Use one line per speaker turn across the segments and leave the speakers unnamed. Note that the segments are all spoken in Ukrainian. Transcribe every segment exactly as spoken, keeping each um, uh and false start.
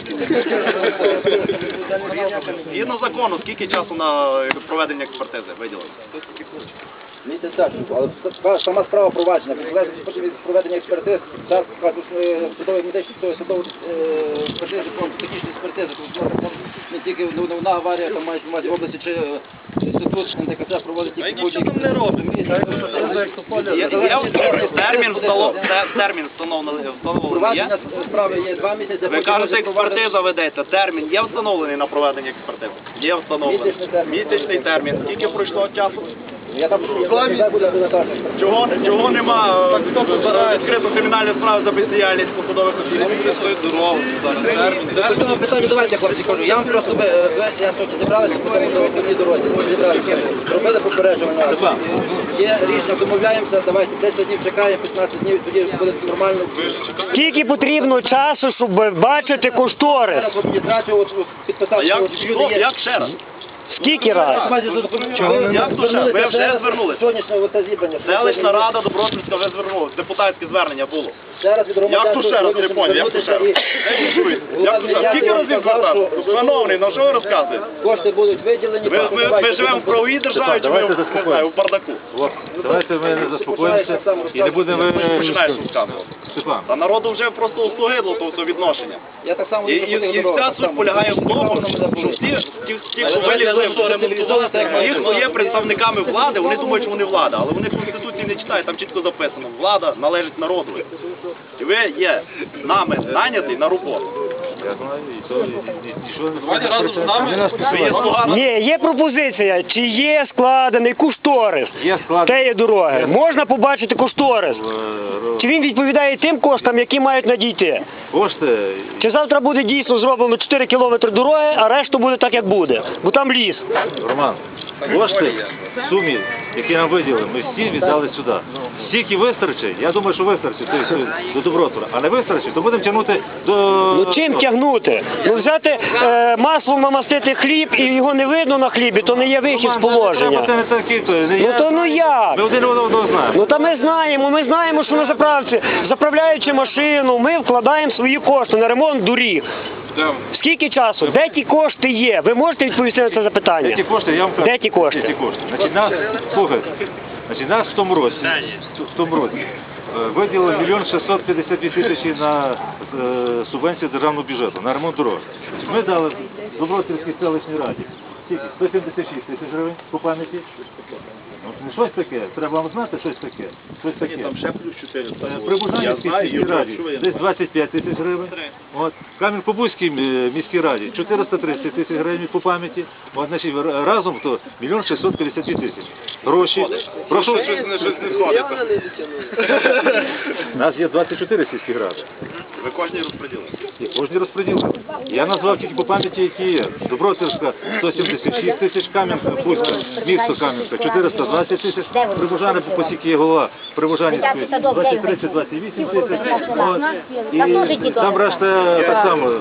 Згідно закону, скільки часу на проведення експертизи виділено?
Місяць так, але сама справа провадження, від проведення експертиз, зараз судової медичної судової експертизи, технічної експертизи, тому не тільки одна аварія, там мають в області, чи інститут ен те ка це проводить тільки будь-які.
Що там не робить? Термін встановлений є?
Провадження справи є два місяці.
Ви кажете, експертиза ведеться, термін є встановлений на проведення експертизи? Є встановлений. Місячний термін. Скільки пройшло часу?
Я там
Чого, чого нема відкрито кримінальні справи за бездіяльність посадових осіб?
Зараз питання, давайте, хлопці, кажу. Я вам просто, я тут зібралися по тому дорозі, зібралися, робили попереджування. Є рішення, домовляємося, давайте десять днів чекаємо, п'ятнадцять днів, тоді буде нормально.
Скільки потрібно часу, щоб бачити кошторис?
А як, що, як ще раз?
Скільки раз?
Як то ще? Ви вже звернулися?
Сьогоднішнього оце зібрання.
Селищна рада Добротницька вже звернулася, депутатське звернення було.
Зараз від громадян...
Як то ще раз, не поняв, як то ще раз? Як то ще раз? Скільки разів звертати? Шановний, на що ви розказуєте?
Кошти будуть виділені...
Ми, ми, ми живемо в правовій державі, чи ми не знаю, в бардаку?
Давайте ми не заспокоїмося і не будемо...
Починаєш розказувати.
Степан.
Та народу вже просто услугидло то все відношення.
Я так само...
І, і, і вся суть полягає в тому, що всі, ті, ті, хто вилізли в ремонтувати, ті, хто є представниками влади, вони думають, що вони влада, але вони Конституції не читають, там чітко записано, влада належить народу. І ви є нами найнятий на роботу.
Я знаю, і то нічого не
Давайте разом з нами, ви є слуга.
Ні, є пропозиція, чи є складений кошторис
Є складений.
тієї дороги. Можна побачити кошторис? Чи він відповідає тим коштам, які мають надійти?
Кошти...
Чи завтра буде дійсно зроблено чотири кілометри дороги, а решту буде так, як буде? Бо там ліс.
Роман, кошти в сумі, які нам виділили, ми всі віддали сюди. Стільки вистачить, я думаю, що вистачить тобто, до Добротвора, а не вистачить, то будемо тягнути до...
Ну чим тягнути? Ну взяти е, маслом намастити хліб і його не видно на хлібі, то не є вихід з положення.
Це не такі, то не
Ну
я.
то ну як?
Ми один одного знаємо.
Ну та ми знаємо, ми знаємо, що на заправці, заправляючи машину, ми вкладаємо свої кошти на ремонт доріг. Скільки часу? Де ті кошти є? Ви можете відповісти на це запитання?
Де ті кошти? Я вам кажу.
Де ті кошти?
Де ті кошти? Значить, нас, слухайте, значить, нас в тому році, в тому році е, виділили мільйон шістсот п'ятдесят дві тисячі на е, субвенцію державного бюджету, на ремонт дорог. Ми дали Добротвірській селищній раді скільки? сто сімдесят шість тисяч гривень по пам'яті. Ну, не щось таке, треба вам знати щось таке. Щось таке.
Там ще плюс чотири.
При Бужанівській міській раді десь двадцять п'ять тисяч гривень. От. Кам'янка-Бузькій міській раді чотириста тридцять тисяч гривень по пам'яті. От, значить, разом то мільйон шістсот п'ятдесят дві тисячі. Гроші. Прошу. У нас є двадцять чотири сільські ради.
Ви кожній розподілили?
І кожні розподілили. Я назвав тільки по пам'яті, які є. Добротвірська сто сімдесят шість тисяч, Кам'янка-Бузька, місто Кам'янка чотириста двадцять тисяч, Прибужани, по посіки є голова Прибужанівської двадцять три двадцять вісім тисяч. От. І там решта так само.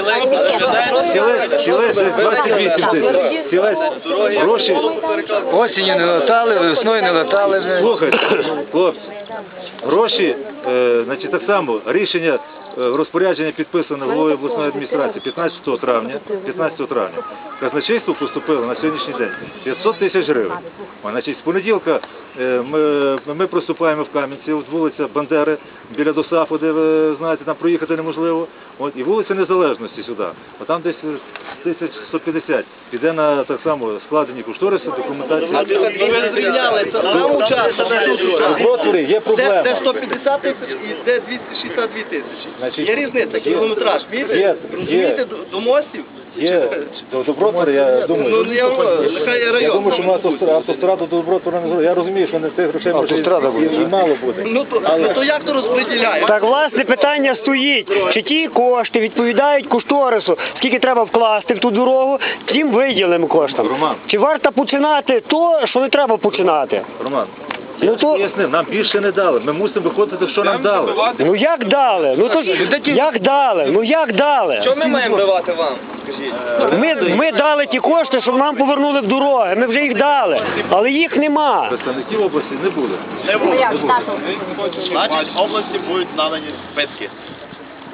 Сілець двадцять вісім тисяч. Сілець гроші.
Осінню не летали, весною не летали.
Слухайте, хлопці, гроші, е, значить так само, рішення е, розпорядження підписане головою обласної адміністрації п'ятнадцятого травня, п'ятнадцятого травня. Казначейство поступило на сьогоднішній день п'ятсот тисяч гривень. А, значить, з понеділка е, ми, ми приступаємо в Кам'янці, от вулиця Бандери, біля ДОСАФу, де ви знаєте, там проїхати неможливо. От, і вулиця Незалежності сюди. А там десь тисяч сто п'ятдесят. Піде на так само складені кошториси, документацію.
Ви звільняли, це нам учасно.
Добротворі, є проблема.
Де сто п'ятдесят тисяч і де двісті шістдесят дві тисячі.
Значить,
Є різниця, кілометраж,
є,
розумієте? Розумієте, до, до мостів?
Є до Добротвора, я думаю.
Ну, я, нехай є район.
Я думаю, що ми автостраду, автостраду до Добротвора не зробили. Я розумію, що не цих грошей може і, і мало буде.
Ну то, ну, то як то розподіляє?
Так, власне, питання стоїть, чи ті кошти відповідають кошторису, скільки треба вкласти в ту дорогу, тим виділимо коштам.
Роман.
Чи варто починати то, що не треба починати?
Роман,
Ну
я
то-
пояснив, нам більше не дали. Ми мусимо виходити, що нам дали.
Ну як дали? Ну то ж, як дали? Ну як дали?
Що ми маємо давати вам? Скажіть.
Ми, ми дали ті кошти, щоб нам повернули в дороги. Ми вже їх дали, але їх нема.
Представників області не буде.
Не буде. Значить, області будуть надані списки.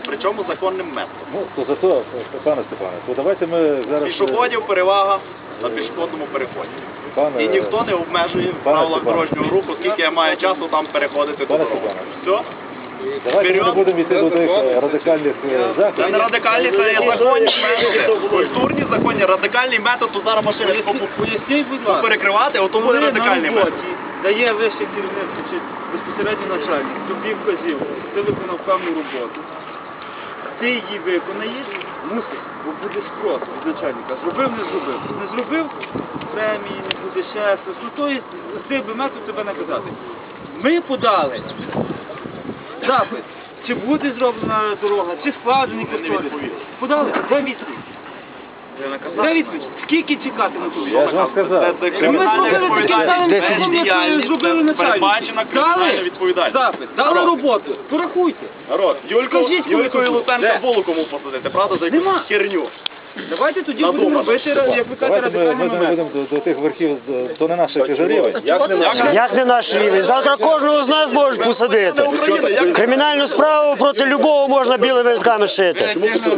причому законним методом.
Ну, то зато, пане Степане, то давайте ми зараз...
Пішоходів перевага на пішохідному переході.
Пане,
І ніхто не обмежує в
пане
правилах
Степане.
дорожнього руху, скільки я маю часу там переходити
Пане
дорогу.
Степане.
Все?
Давайте ми не
Вперед.
будемо йти до тих е, радикальних е,
Це
заходів.
не радикальні, це є законні методи. Культурні законні, радикальний метод, то зараз машини
Поясніть, будь ласка,
перекривати, ото буде
коли на
радикальний метод.
роботі дає вище керівництво чи безпосередньо начальник, тобі вказівку, ти виконав певну роботу. Ти її виконаєш, мусиш, бо буде спрос від начальника. Зробив, не зробив. Не зробив, премії, не буде ще щось. Ну, то є, з цих би метод тебе наказати. Ми подали запит, чи буде зроблена дорога, чи складений кошторис. Подали, де відповідь? Де відповідь? Скільки чекати на ту?
Я ж вам сказав.
Це, це
Ми
кримінальна
зробили такі самі,
відповідальність,
як ми
бездіяльність,
зробили
це
начальник.
передбачена кримінальна
Дали
відповідальність.
запит, дали
Народ,
роботу, порахуйте.
народ, Юльку,
Скажіть, коли
Юльку і
тут?
Луценка
Де?
було кому посадити, правда, за якусь
Нема.
херню.
Давайте тоді
Надумано.
будемо робити, як ви кажете,
Давайте ми, ми
радикальний
не
момент.
будемо до, до тих верхів, до- то не наша тяжарівень.
Як не наш?
Як не наш рівень? Завтра кожного з нас можуть посадити. Кримінальну справу проти любого можна білими листками шити.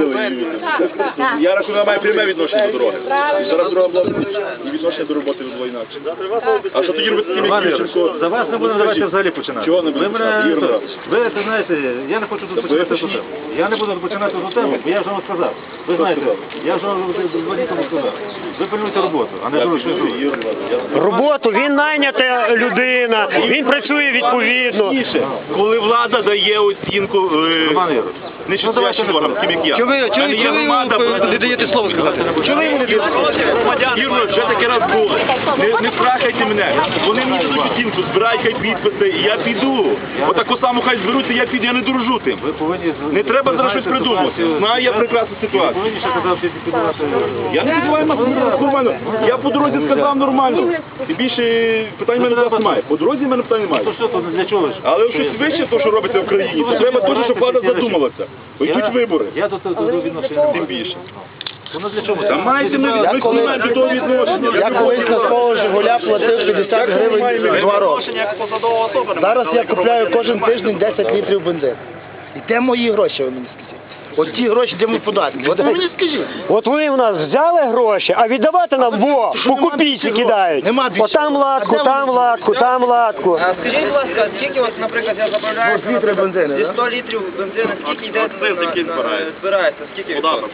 Я рахую, вона має пряме відношення до дороги. І зараз дорога була і відношення до роботи було інакше. А що тоді робити з тим,
Іван
як
Ігорович,
Ющенко?
за вас не будемо давайте взагалі починати.
Чого не будемо
Ви мене-
починати, Ігор Миронович?
Ви це знаєте, я не хочу тут починати ту тему. Я не буду починати ту тему, бо я вже вам сказав. Ви знаєте, я вже вам два дні тому сказав. Ви пильнуйте роботу, а не щось друге.
Роботу, він найнята людина, він працює відповідно.
Коли влада дає оцінку
Роман Ігорович,
не чотирячим органам, таким як я.
Чого ви- чого
А не
ви-
є
чого ви
громада,
йому не даєте слово сказати?
Чого ви йому не даєте слово? Ігор, вже таке раз було. Не, не страхайте мене. Вони мені дадуть оцінку, збирай хай підписи, і я піду. Отаку саму хай зберуться, я піду, я не дружу тим.
ви повинні...
Не треба
ви
зараз
знаєте
щось придумувати.
ситуацію.
Знаю я прекрасну
Ви
ситуацію.
повинні ще казати підбивати...
Я не називаю вас нормально. Я по дорозі сказав нормально. І більше питань в мене до вас немає. По дорозі в мене питань немає.
То що, то для чого ж?
Але щось вище, то, що робиться в країні, то треба теж, щоб влада задумалася. Бо йдуть вибори.
Я до того відношення не
Тим
маю.
більше.
Воно для чого?
Та маєте ми ви не маєте до того відношення.
Я колись на свого Жигуля платив п'ятдесят гривень два роки.
Відношення як посадова особа. не
Зараз
має,
я
але
купляю
громадянин
кожен
немає.
тиждень десять літрів бензину. І де мої гроші, ви мені скажіть? От ті гроші, де мої податки. От ви мені скажіть.
От ви в нас взяли гроші, а віддавати нам во, по копійці кидають.
Нема більше.
Отам латку, там латку, там латку.
А скажіть, будь ласка, скільки, от, наприклад, я заправляю
Ну, літри бензину,
зі
да?
сто літрів бензину, скільки йде
Акциз, який
на- на-
збирається.
збирається? Скільки
Податок.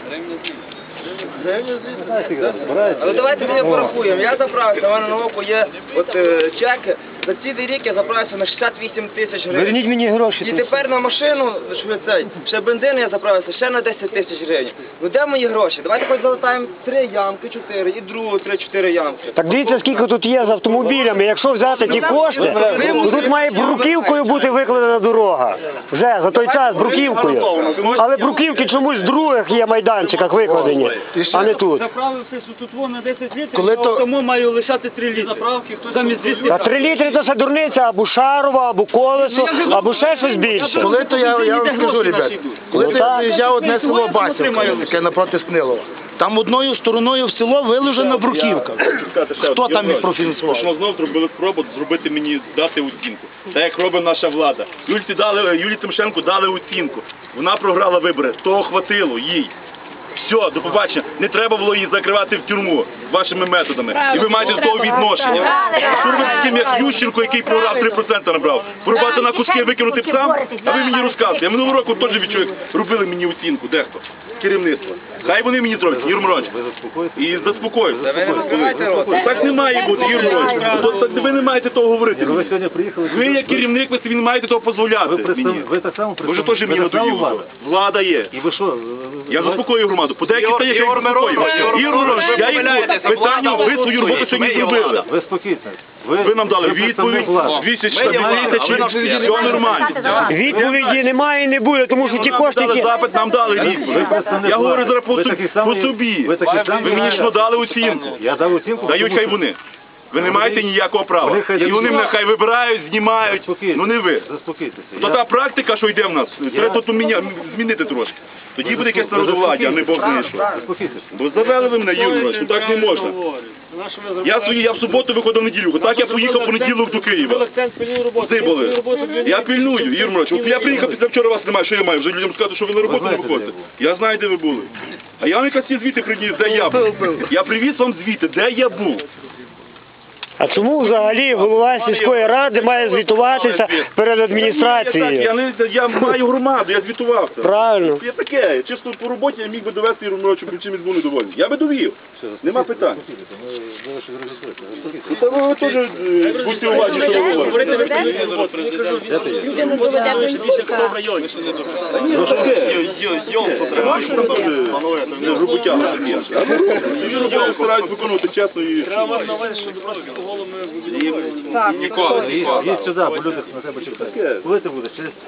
Але давайте ми порахуємо. Я заправився, у мене на оку є от е, чек. За цілий рік я заправився на шістдесят вісім тисяч гривень.
Верніть мені гроші.
І тепер на машину, що цей, ще бензин я заправився, ще на десять тисяч гривень. Ну де мої гроші? Давайте хоч залатаємо три ямки, чотири, і другу три-чотири ямки.
Так дивіться, скільки тут є з автомобілями. Якщо взяти ті кошти, то тут має бруківкою бути викладена дорога. Вже за той час бруківкою. Але бруківки чомусь в других є майданчиках викладені, а не тут.
Заправився, що тут вон на десять літрів,
Коли
а
то-
тому маю лишати три літри. Заправки, хтось замість двісті.
Та три літри це все дурниця, або шарова, або колесо, або ще щось більше.
Коли то я, я вам скажу, ребят, коли
Ну,
то
так.
я приїжджав одне село Басівка, яке напроти Снилова, там одною стороною в село виложена бруківка. Хто там міг профінансувати?
Що знов зробили спробу зробити мені, дати оцінку. Так як робить наша влада. Юльці дали, Юлії Тимошенко дали оцінку. Вона програла вибори. Того хватило їй. Все, до побачення. Не треба було її закривати в тюрму вашими методами. І ви маєте до того відношення. Що робити з тим, як Ющенко, який програв три відсотки набрав? Порубати на куски, викинути сам? А ви мені розказуєте. Я минулого року теж відчув, як робили мені оцінку. Дехто. Керівництво. Хай вони мені зроблять, Юр Миронович.
Ви заспокоїтесь?
І заспокоїться.
Ви не розкривайте рот.
Так не має бути, Юр Миронович. То- то Ви не маєте того говорити.
Ви сьогодні приїхали...
Ви як керівник, ви собі не маєте того дозволяти
Ви,
мені.
представ... ви так само
Ви ж теж мені
ви так само
надоїли.
влада.
Влада є.
І ви що?
Я заспокоюю громаду. По деяких
Ігор-
стаєш, я їх
Ігор
заспокоюю.
Миронович, Ігор
Ігор Миронович,
Миронович,
я
ви
їх
помиляєтеся,
питання,
влада
ви свою роботу
голосує,
сьогодні
ми є
зробили.
влада.
Ви спокійно.
Ви нам дали
ви представник
відповідь,
влади.
двісті
Ми є влада, а ви
тисяч,
наш клієнт.
все нормально.
Відповіді немає і не буде, тому що ті
Нам
кошти,
дали
які...
запит, нам дали відповідь.
Ви представник
Я говорю
влади.
зараз по
Ви
собі.
такий
По
самий-
собі.
ви такий самий-
Ви мені що дали оцінку?
Я дав оцінку.
Дають
тому
хай
що-
вони. Ви не маєте ніякого права.
Вони хай
І вони
дають.
мене хай вибирають, знімають.
Заспокійтесь.
Ну не ви.
Заспокійтеся.
То
Я-
та практика, що йде в нас, треба тут міня- змінити трошки. Тоді буде якесь народовладдя, а не Бог знає що. Бо завели ви мене, Юрій, ну так не можна. Я свої, я в суботу виходив в неділю, так я поїхав в понеділок до Києва. Де були? Я пильную, Юрій Миронович. От я приїхав після вчора, вас немає, що я маю? Вже людям сказати, що ви на роботу не виходите. Я знаю, де ви були. А я вам якраз ці звіти приніс, де я був. Я привіз вам звіти, де я був.
А чому взагалі голова сільської ради має звітуватися перед
Я,
адміністрацією?
не, я маю громаду, я звітувався.
Правильно.
Я таке, чисто по роботі я міг би довести Юрію Мироновичу, бо чимось був недовольний. Я би довів. Нема питань. Ну, та ви теж е, будьте уважні, що ви говорите.
Людину доведе до інфаркту.
Та ні, ну таке. Не груботяга такі. А ну, Юрій Миронович старають виконувати чесно і...
Ніколи. Їдь сюди, бо люди на тебе чекають. Коли ти будеш? Через...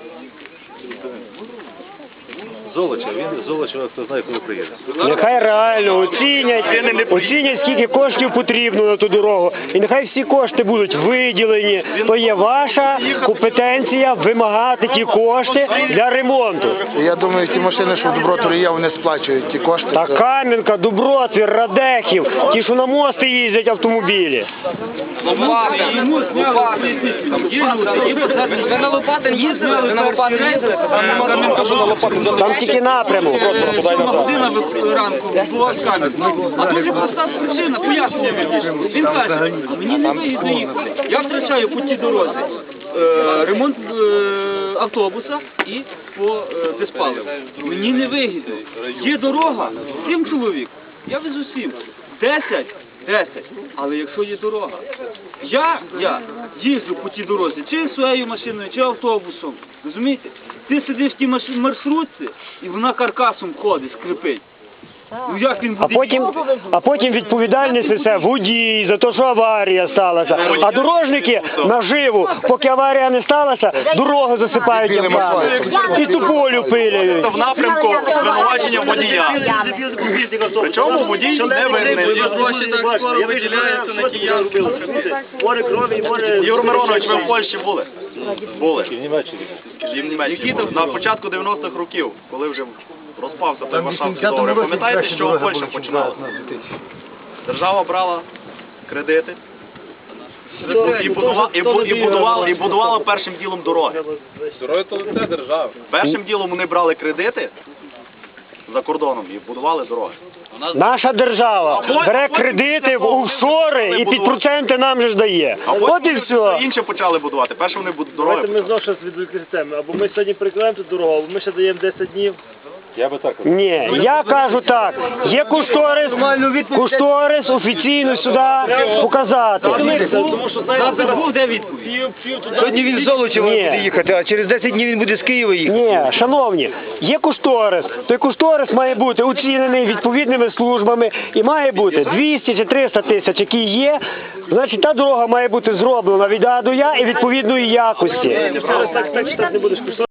Золоча, він з Золочева, хто знає, коли приїде.
Нехай реально оцінять, оцінять, скільки коштів потрібно на ту дорогу. І нехай всі кошти будуть виділені. То є ваша компетенція вимагати ті кошти для ремонту.
Я думаю, ті машини, що в Добротворі є, вони сплачують ті кошти.
Та Кам'янка, Дубротвір, Радехів, ті, що на мости їздять автомобілі.
Ви на Лопатин їздили? Ви на Лопатин їздили?
Там тільки напрямок.
Година ранку була в Кам'янці. А дуже проста причина, пояснення вірніше. Він каже, мені не вигідно їхати. Я втрачаю по тій дорозі е, ремонт е, автобуса і по е, безпаливу. Мені не вигідно. Є дорога, сім чоловік. Я везу сім. Десять. Десять. Але якщо є дорога, я, я їжджу по тій дорозі, чи своєю машиною, чи автобусом, розумієте? Ти сидиш в тій маш- маршрутці, і вона каркасом ходить, скрипить. Ну як він
А
буде?
потім, а потім відповідальність несе водій за те, що аварія сталася. А дорожники наживу, поки аварія не сталася, дорогу засипають ямками. І тополю пиляють.
В напрямку звинувачення водія. Причому водій не винний. Юр Миронович, ви в Польщі були? Були.
І в Німеччині.
І в Німеччині були. На початку дев'яностих років, коли вже розпався той Варшавський договір. Пам'ятаєте, з чого Польща починала? Держава брала кредити і будувала, і, бу- і будувала, і будувала першим ділом дороги.
Дороги то це держава.
Першим ділом вони брали кредити за кордоном і будували дороги.
Наша держава бере кредити в офшори і під проценти нам же ж дає.
А
От і
потім
все.
інше почали будувати. Перше вони буд- дороги.
Давайте ми знову щось відволіклися. Або ми сьогодні прикладемо ту дорогу, або ми ще даємо десять днів.
Я би так казав.
Ні, я кажу так, є кошторис, кошторис офіційно сюди показати.
Тому що знаєте, був де відповідь.
Сьогодні він з Золочева
Ні.
буде їхати, а через десять днів він буде з Києва їхати.
Ні, шановні, є кошторис. Той кошторис має бути оцінений відповідними службами і має бути двісті чи триста тисяч, які є. Значить, та дорога має бути зроблена від А до Я і відповідної якості.
Так, так, так, не будеш